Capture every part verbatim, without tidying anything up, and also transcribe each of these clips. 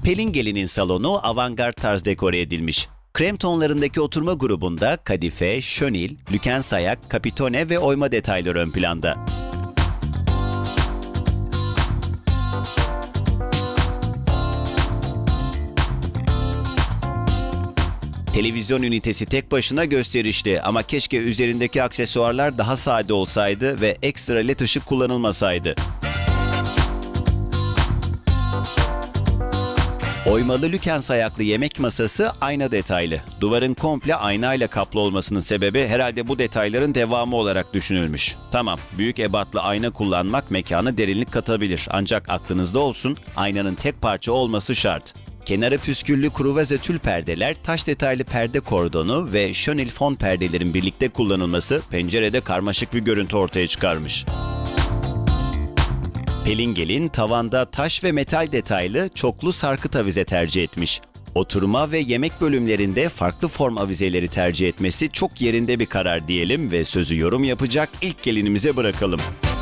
Pelin Gelin'in salonu avantgard tarz dekore edilmiş. Krem tonlarındaki oturma grubunda kadife, şönil, lükens ayak, kapitone ve oyma detayları ön planda. Televizyon ünitesi tek başına gösterişli ama keşke üzerindeki aksesuarlar daha sade olsaydı ve ekstra led ışık kullanılmasaydı. Oymalı lükens ayaklı yemek masası ayna detaylı. Duvarın komple aynayla kaplı olmasının sebebi herhalde bu detayların devamı olarak düşünülmüş. Tamam, büyük ebatlı ayna kullanmak mekana derinlik katabilir. Ancak aklınızda olsun, aynanın tek parça olması şart. Kenarı püsküllü kruvaze tül perdeler, taş detaylı perde kordonu ve şönil fon perdelerin birlikte kullanılması pencerede karmaşık bir görüntü ortaya çıkarmış. Pelin Gelin tavanda taş ve metal detaylı çoklu sarkıt avize tercih etmiş. Oturma ve yemek bölümlerinde farklı form avizeleri tercih etmesi çok yerinde bir karar diyelim ve sözü yorum yapacak ilk gelinimize bırakalım.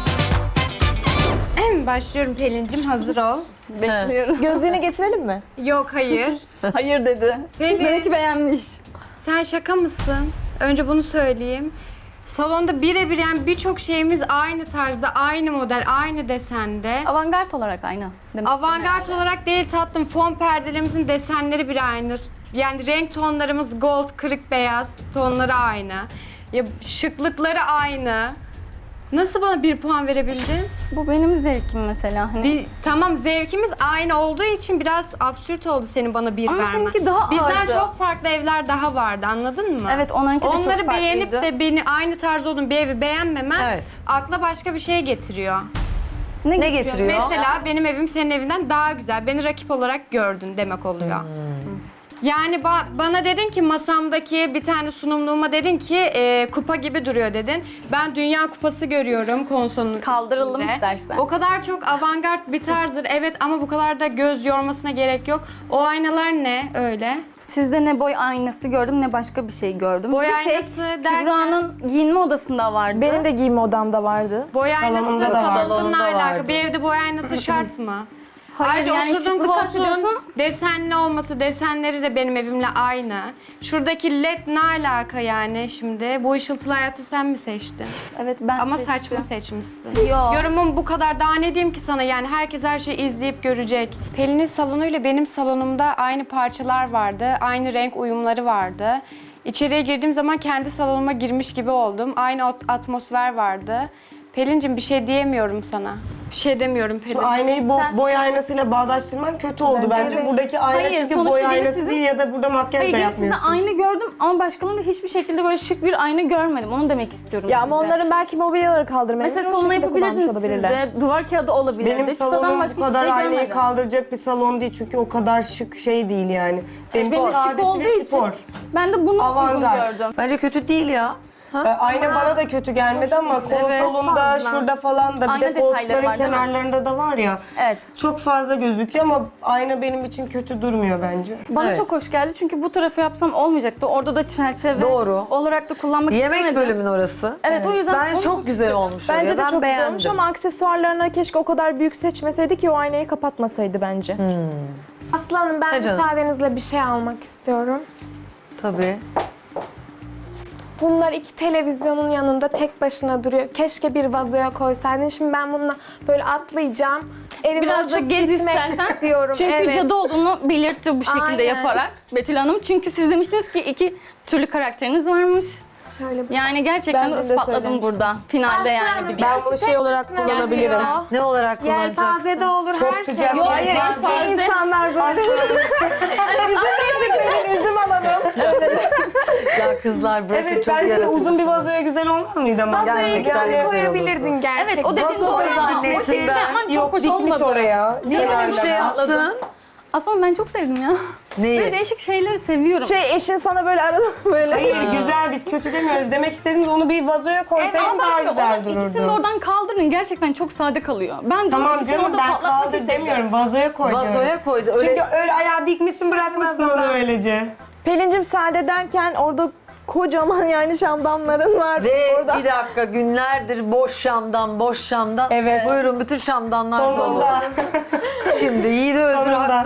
En başlıyorum Pelin'cim, hazır ol. Bekliyorum. Gözlüğünü getirelim mi? Yok, hayır. Hayır dedi. Pelin, Belki beğenmiş. sen şaka mısın? Önce bunu söyleyeyim. Salonda birebir, yani birçok şeyimiz aynı tarzda, aynı model, aynı desende. Avantgard olarak aynı. demek Avantgard istedim olarak değil tatlım, fon perdelerimizin desenleri bile aynı. Yani renk tonlarımız gold, kırık beyaz tonları aynı. Ya şıklıkları aynı. Nasıl bana bir puan verebildin? yani. Bu benim zevkim mesela. Hani Bir, tamam, zevkimiz aynı olduğu için biraz absürt oldu senin bana bir Ama vermen. seninki daha Bizden ağırdı. çok farklı evler daha vardı, anladın mı? Evet, onlarınki de çok Onları beğenip farklıydı. de beni aynı tarz olduğum bir evi beğenmemen Evet. akla başka bir şey getiriyor. ne, Ne getiriyor? getiriyor? Mesela benim evim senin evinden daha güzel. Beni rakip olarak gördün demek oluyor. Yani ba- bana dedin ki masamdaki bir tane sunumluğuma dedin ki e, kupa gibi duruyor dedin. Ben Dünya Kupası görüyorum konsolun Kaldıralım üstünde. istersen. O kadar çok avantgard bir tarzdır evet, ama bu kadar da göz yormasına gerek yok. O aynalar ne öyle? Sizde ne boy aynası gördüm ne başka bir şey gördüm. Boy Bir tek aynası derken- Kübra'nın giyinme odasında vardı. Benim de giyinme odamda vardı. Boy aynası Salonunda da var. salonla Salonunda alakalı. vardı. Bir evde boy aynası şart mı? Hayır, Ayrıca yani oturduğun şıklık koltuğun kastediyorsun. desenli olması, desenleri de benim evimle aynı. Şuradaki led ne alaka yani şimdi? Bu ışıltılı hayatı sen mi seçtin? Evet, ben Ama seçtim. saçma seçmişsin. Yo. Yorumum bu kadar. Daha ne diyeyim ki sana, yani herkes her şeyi izleyip görecek. Pelin'in salonuyla benim salonumda aynı parçalar vardı. Aynı renk uyumları vardı. İçeriye girdiğim zaman kendi salonuma girmiş gibi oldum. Aynı at- atmosfer vardı. Pelin'cim bir şey diyemiyorum sana. Bir şey demiyorum Pelin. Şimdi aynayı bo- boy aynasıyla bağdaştırman kötü oldu bence. Evet. Buradaki ayna Hayır, çünkü sonuçta boy yine aynası sizin- değil ya da burada makyaj Hayır, da yine sizde yapmıyorsun. aynı gördüm ama başkalarında hiçbir şekilde böyle şık bir ayna görmedim. Onu demek istiyorum Ya size. ama onların belki mobilyaları kaldırmayı Mesela sonuna yapabilirdiniz siz de. Duvar kağıdı olabilirdi. Benim Çıtadan salonum başka bu hiçbir kadar şey aynayı görmedim. kaldıracak bir salon değil çünkü o kadar şık şey değil yani. Benim Benim şık sadesine olduğu için spor. ben de bunu uygun Avantgard. gördüm. Bence kötü değil ya. Ee, Ayna bana da kötü gelmedi ama konsolunda fazla. şurada falan da bir Ayna de detayları koltukların var, değil mi? kenarlarında da var ya. Evet. Çok fazla gözüküyor ama ayna benim için kötü durmuyor bence. Bana Evet. çok hoş geldi çünkü bu tarafı yapsam olmayacaktı. Orada da çerçeve Doğru. olarak da kullanmak Yemek istemedim. bölümün orası. Evet, o yüzden Bence onu çok güzel olmuş. Bence oraya. de Ben çok güzel beğendim. olmuş ama aksesuarlarına keşke o kadar büyük seçmeseydi ki o aynayı kapatmasaydı bence. Aslı Hanım, ben Ha canım. müsaadenizle bir şey almak istiyorum. Tabii. Bunlar iki televizyonun yanında tek başına duruyor. Keşke bir vazoya koysaydın. Şimdi ben bununla böyle atlayacağım. Evime Biraz da uçup gez gitmek istersen. istiyorum. Çünkü Evet. cadı olduğunu belirtti bu şekilde Aynen. yaparak Betül Hanım. Çünkü siz demiştiniz ki iki türlü karakteriniz varmış. Şöyle bir... Yani gerçekten Ben de de ispatladım söylemiştim. burada. Finalde Aslı yani. Hanım, bir- Ben bunu şey olarak kullanabilirim. Ne olarak kullanacaksın? Yelpaze de olur, Çok her sıcak. şey. Yok, Hayır, Fazla- eski insanlar böyle. Bizim üzüm alalım. Ya kızlar bırakın Evet, çok bence de yaratıcısınız. uzun bir vazoya güzel olmaz mıydı ama? Vazoya Gerçekten güzel güzel koyabilirdin gerçekten. Evet, o dediğin Vazo doğru. da zannettim O şekilde ben. yapman çok Yok, hoş dikmiş olmadı. oraya. Niye böyle bir Kenarda. şey yaptın? Aslında ben çok sevdim ya. Neyi? Böyle değişik şeyleri seviyorum. Şey eşin sana böyle arada böyle. Hayır, güzel, biz kötü demiyoruz. Demek istediğimiz onu bir vazoya koysaydın Ama daha başka güzel onun ikisini de dururdu. oradan kaldırın. Gerçekten çok sade kalıyor. Ben de Tamam ikisini canım, orada ben patlatmak kaldır istedim. demiyorum. Vazoya koy diyorum. Vazoya koydu. Öyle Çünkü öyle ayağı dikmişsin, bırakmışsın onu öylece. Pelincim sade derken orada kocaman yani şamdanların var. ve orada. bir dakika günlerdir boş şamdan, boş şamdan. Evet. Buyurun bütün şamdanlar dolu. Sonunda. Şimdi yiğidi öldür Sonunda. hakkını ver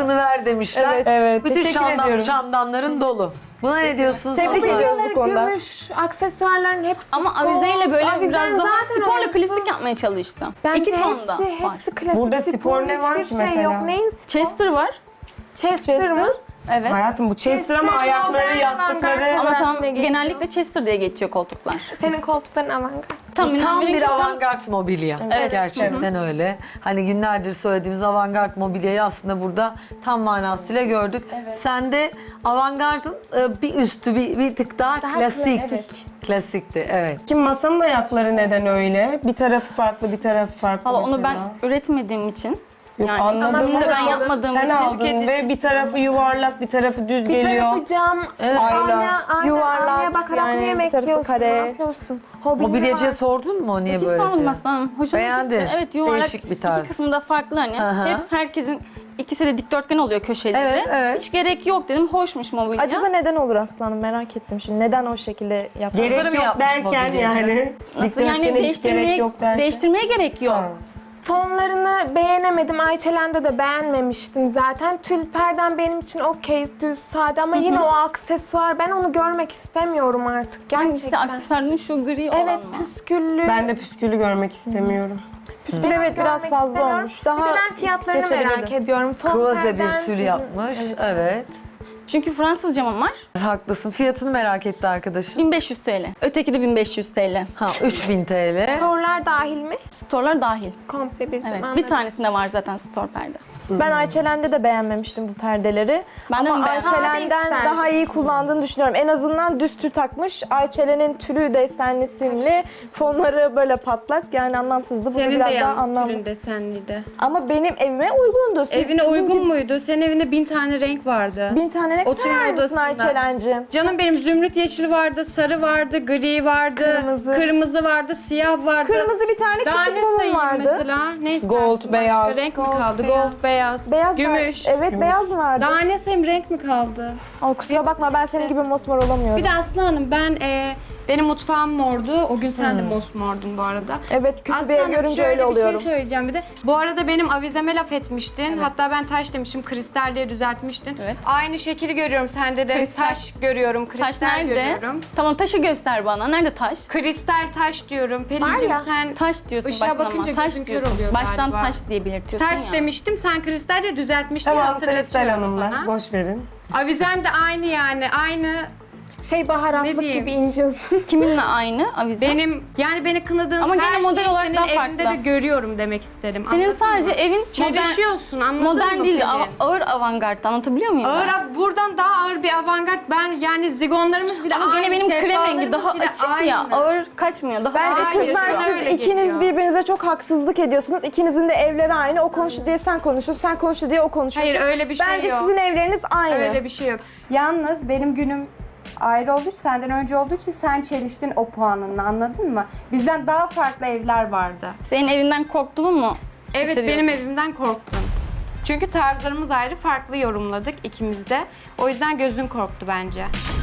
demişler. Evet, evet. Bütün Teşekkür şamdan, ediyorum. şamdanların dolu. Buna ne diyorsunuz? Tebrik Hanımlar? ediyoruz bu konuda. Gümüş, aksesuarların hepsi Ama gold. avizeyle böyle Avizen biraz daha zaten sporla olsun. klasik yapmaya çalıştım. Bence İki tonda hepsi, var. hepsi klasik. Burada spor ne var hiçbir ki şey mesela? yok. Neyin spor? Chester var. Chester mı? Evet. Hayatım bu Chester ama Chester, ayakları, avantgard, yastıkları. avantgard. Ama tam Ne geçiyor? genellikle Chester diye geçiyor koltuklar. Senin koltukların avantgard. Tam, Tam bir tam- avantgard mobilya. Evet. Gerçekten öyle. Hani günlerdir söylediğimiz avantgard mobilyayı aslında burada tam manasıyla gördük. Sende avantgardın e, bir üstü, bir, bir tık daha, Daha klasik. kla- evet. Klasikti, evet. Kim masanın ayakları neden öyle? Bir tarafı farklı, bir tarafı farklı. Valla onu ben mesela. üretmediğim için. Yok, yani anladım ikisini de ben ama yapmadığım sen için. aldın ve bir tarafı yuvarlak, bir tarafı düz Bir geliyor. tarafı cam, Ayna, ayna, ayna, yuvarlak, aynaya bakarak yani mı bir yemek tarafı yiyorsun? kare. Ne yapıyorsun? Hobin ne Mobilyacıya var? sordun mu o niye Hiç böyle sormadım diye? aslanım. Hoşuma Beğendin. gitti. Evet yuvarlak. Değişik bir tarz. İki kısımda farklı hani. Aha. Hep herkesin ikisi de dikdörtgen oluyor köşeleri. Evet, evet. Hiç gerek yok dedim. Hoşmuş mobilya. Acaba neden olur aslanım, merak ettim şimdi. Neden o şekilde yaptın? Gerek Tasarım yok yapmış derken mobilyacı. yani. Nasıl yani dikdörtgene hiç değiştirmeye, gerek yok derken. değiştirmeye gerek yok. Ha. Fonlarını beğenemedim. Ayçelen'de de beğenmemiştim zaten. Tül perden benim için okey, düz, sade ama yine o aksesuar, ben onu görmek istemiyorum artık gerçekten. Hangisi aksesuarının şu gri Evet, olan mı? püsküllü. Ben de püskülü görmek istemiyorum. Püskül evet biraz görmek fazla istemiyorum. olmuş. Daha bir de ben fiyatlarını geçebilirdi. merak ediyorum. Fon Kruvaze perden- bir tül yapmış, evet. Çünkü Fransız camım var. Haklısın. Fiyatını merak etti arkadaşım. bin beş yüz TL. Öteki de bin beş yüz TL. Ha, üç bin TL. Storlar dahil mi? Store'lar dahil. Komple bir cam. Evet. Bir anladım. tanesinde var zaten store perde. Ben Ayçelen'de de beğenmemiştim bu perdeleri. Ben de Ama mi beğenmedim? Ayçelen'den Sade daha iyi kullandığını düşünüyorum. En azından düz tül takmış. Ayçelen'in tülü desenli simli, fonları böyle patlak. Yani anlamsızdı. Bu Senin de biraz daha yalnız anlamlı. tülün desenliydi. Ama benim evime uygundu. Siz- Evine sizin uygun gibi muydu? Senin evinde bin tane renk vardı. Bin tane ne Oturma sever misin odasında. Ayçelen'cim? Canım benim zümrüt yeşili vardı, sarı vardı, gri vardı, Kırmızı. kırmızı vardı, siyah vardı. Kırmızı bir tane Daha küçük ne mumum sayayım vardı. mesela? Ne istersin? Gold, Başka beyaz. renk mi Gold, kaldı? beyaz. Gold, beyaz, Beyaz var. gümüş. Evet beyaz vardı. Daha ne sayayım, renk mi kaldı? Ay, kusura bakma ben senin gibi mosmor olamıyorum. Bir de Aslı Hanım ben e, benim mutfağım mordu. O gün sen de mosmordun bu arada. Evet kötü Aslı bir ev Hanım görünce şöyle öyle bir oluyorum. şey söyleyeceğim bir de. Bu arada benim avizeme laf etmiştin. Hatta ben taş demiştim, kristal diye düzeltmiştin. Evet. Aynı şekli görüyorum sende de. Kristal. Taş görüyorum, kristal Taş nerede? görüyorum. Tamam taşı göster bana. Nerede taş? Kristal taş diyorum. Var Pelincim ya, sen Taş diyorsun Işığa baştan bakınca ama. Taş gözün kör diyorsun. oluyor Baştan galiba. taş diye belirtiyorsun taş ya. demiştim. Sen kristal de düzeltmiştin. Tamam Kristal hatırlatıyorum Hanımlar, sana. boş verin. Avizen de aynı yani. Aynı Şey Ne baharatlık diyeyim? gibi ince Kiminle aynı avize? benim yani beni kınadığın Ama her gene model şeyi olarak senin daha evinde farklı. de görüyorum demek istedim. Senin Anladın sadece mı? evin modern, Çelişiyorsun anladın modern mı? değil de Pelin? av- ağır avantgard. Anlatabiliyor muyum? Ağır ben? av- buradan daha ağır bir avantgard. Ben yani zigonlarımız bile Ama aynı. gene benim krem rengi sehpalarımız daha bile açık aynı. ya. Ağır kaçmıyor. Daha Bence Hayır, kızlar sana siz öyle ikiniz geliyor. birbirinize çok haksızlık ediyorsunuz. İkinizin de evleri aynı. O konuştu diye sen konuşuyorsun, sen konuştu diye o konuşuyor. Hayır öyle bir şey Bence yok. sizin evleriniz aynı. Öyle bir şey yok. Yalnız benim günüm ayrı olduğu için, senden önce olduğu için sen çeliştin o puanınla, anladın mı? Bizden daha farklı evler vardı. Senin evinden korktuğumu mu Evet hissediyorsun? benim evimden korktun. Çünkü tarzlarımız ayrı, farklı yorumladık ikimiz de. O yüzden gözün korktu bence.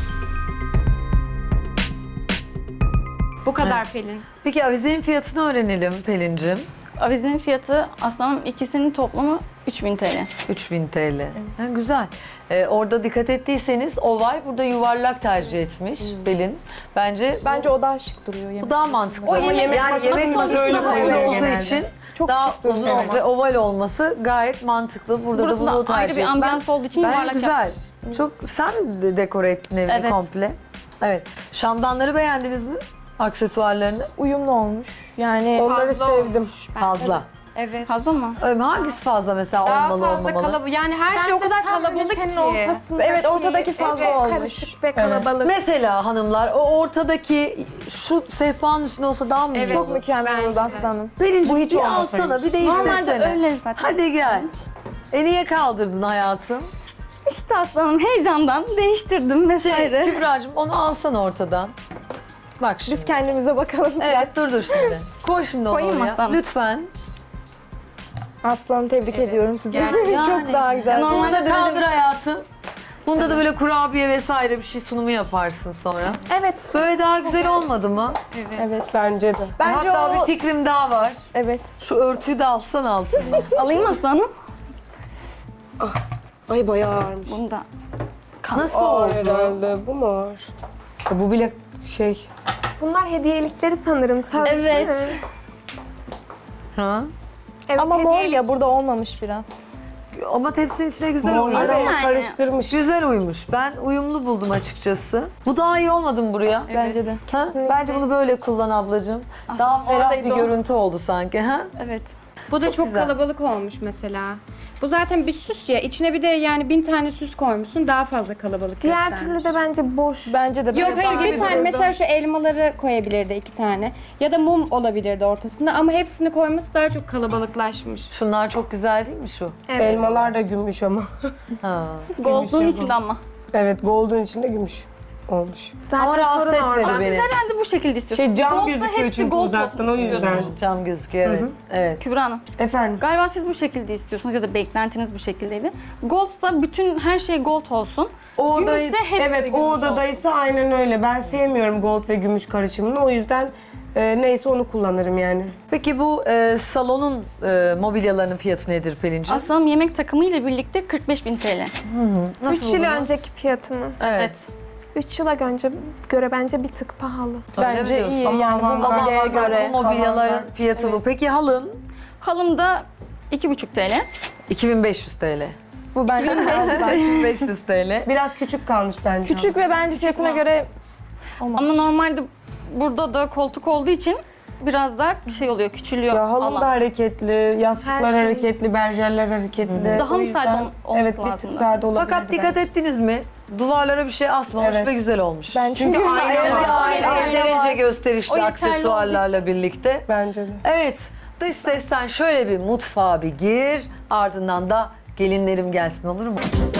Bu kadar Pelin. Peki avizenin fiyatını öğrenelim Pelin'cim. Avizenin fiyatı aslanım ikisinin toplamı üç bin TL. üç bin TL. Ha, güzel. Ee, orada dikkat ettiyseniz oval, burada yuvarlak tercih etmiş Pelin. Bence Bence o daha şık duruyor. bu yemek. daha mantıklı. O yemek yani masası yemek masası öyle uzun koyuluyor olduğu genelde. için Çok daha şık duruyor uzun ama. ve oval olması gayet mantıklı. Burada Burası da bunu da ayrı tercih bir ettim. ambiyans olduğu için Ben yuvarlak güzel. Çok sen de dekore ettin evini Evet. komple. Evet. Şamdanları beğendiniz mi? Aksesuarlarını? Uyumlu olmuş. Yani Onları Fazla sevdim. olmuş bence. Fazla. Evet. Fazla mı? Öyle mi? Hangisi fazla mesela Daha olmalı fazla olmamalı? kalabalık. Yani her şey o kadar kalabalık ki. Evet, ortadaki fazla olmuş. Karışık ve kalabalık. Mesela hanımlar o ortadaki şu sehpanın üstünde olsa daha mı iyi Evet. Çok olur? mükemmel Bence oldu de. aslanım. Pelincim Bu hiç bir olmasaymış. alsana bir değiştirsene. Normalde öyle zaten. Hadi gel. E niye kaldırdın hayatım? İşte aslanım heyecandan değiştirdim vesaire. Kübra'cığım onu alsana ortadan. Bak şimdi. Biz kendimize bakalım. Evet dur dur şimdi. Koy şimdi onu Koyayım mı oraya. aslanım? Lütfen. Aslanım tebrik ediyorum sizi. Gerçekten. Çok daha güzel. Bunu Normalde da böyle kaldır hayatım. Bunda da böyle kurabiye vesaire bir şey sunumu yaparsın sonra. Evet. Böyle daha güzel olmadı mı? Evet. Bence de. Bence Hatta o... bir fikrim daha var. Evet. Şu örtüyü de alsan altına. Alayım aslanım. Ay bayağı ağırmış. Bunu da Nasıl Ağır oldu? herhalde. Bu mu ağır? Ya bu bile şey... Bunlar hediyelikleri sanırım. Sözlü Evet. mü? Ha? Evet, Ama mor hediyelik. ya burada olmamış biraz. Ama tepsinin içine güzel Mor uymuş. ama yani. karıştırmış. Güzel uymuş. Ben uyumlu buldum açıkçası. Bu daha iyi olmadı mı buraya? Bence de. Ha? Bence bunu böyle kullan ablacığım. Daha ferah bir oradaydı o. görüntü oldu sanki. Ha? evet. Bu da çok, güzel. kalabalık olmuş mesela. Bu zaten bir süs ya. İçine bir de yani bin tane süs koymuşsun. Daha fazla kalabalık Diğer göstermiş. türlü de bence boş. Bence de. Yok böyle hayır daha bir iyi tane dururdu. mesela şu elmaları koyabilirdi iki tane. Ya da mum olabilirdi ortasında ama hepsini koyması daha çok kalabalıklaşmış. Şunlar çok güzel değil mi şu? Evet. Elmalar da gümüş ama. Ha. Gold'un içinde ama. Evet, gold'un içinde gümüş olmuş. Zaten Ama rahatsız sorun orada. etmedi beni. Herhalde bu şekilde istiyorsun. Şey cam Gold'sa gözüküyor hepsi çünkü gold uzaktan o olsun yüzden. istiyorsun. Cam gözüküyor evet. Evet. Kübra Hanım, Efendim? galiba siz bu şekilde istiyorsunuz ya da beklentiniz bu şekildeydi. Gold'sa bütün her şey gold olsun. O odayı, Gümüşse hepsi evet gümüş o olsun. odadaysa aynen öyle. Ben sevmiyorum gold ve gümüş karışımını. O yüzden e, neyse onu kullanırım yani. Peki bu e, salonun e, mobilyalarının fiyatı nedir Pelin'ciğim? Aslanım yemek takımı ile birlikte kırk beş bin T L. Nasıl üç yıl buldunuz? önceki fiyatı mı? Evet. üç yıla önce göre bence bir tık pahalı. Öyle mi Bence diyorsun? iyi Ama yani bu ama mobilyaya Ama göre. bu mobilyaların Tamam, fiyatı bu. Peki halın? Halım da iki buçuk T L. iki bin beş yüz T L. Bu bence iki bin beş yüz T L. Biraz küçük kalmış bence. küçük ve bence fiyatına göre Ama normalde burada da koltuk olduğu için biraz daha şey oluyor, küçülüyor Ya halım alan. da hareketli, yastıklar Her şey. hareketli, berjerler hareketli. Daha O mı yüzden- sade ol- olması Evet, bir tık lazımdı? sade olabilirdi. Fakat dikkat ettiniz mi? Duvarlara bir şey asmamış Evet. ve güzel olmuş. ben çünkü, Çünkü Aile ayna bir var. aile Ayna yeterince var. gösterişli O yeterli aksesuarlarla birlikte. Bence de. Evet, dış sesten şöyle bir mutfağa bir gir. Ardından da gelinlerim gelsin olur mu?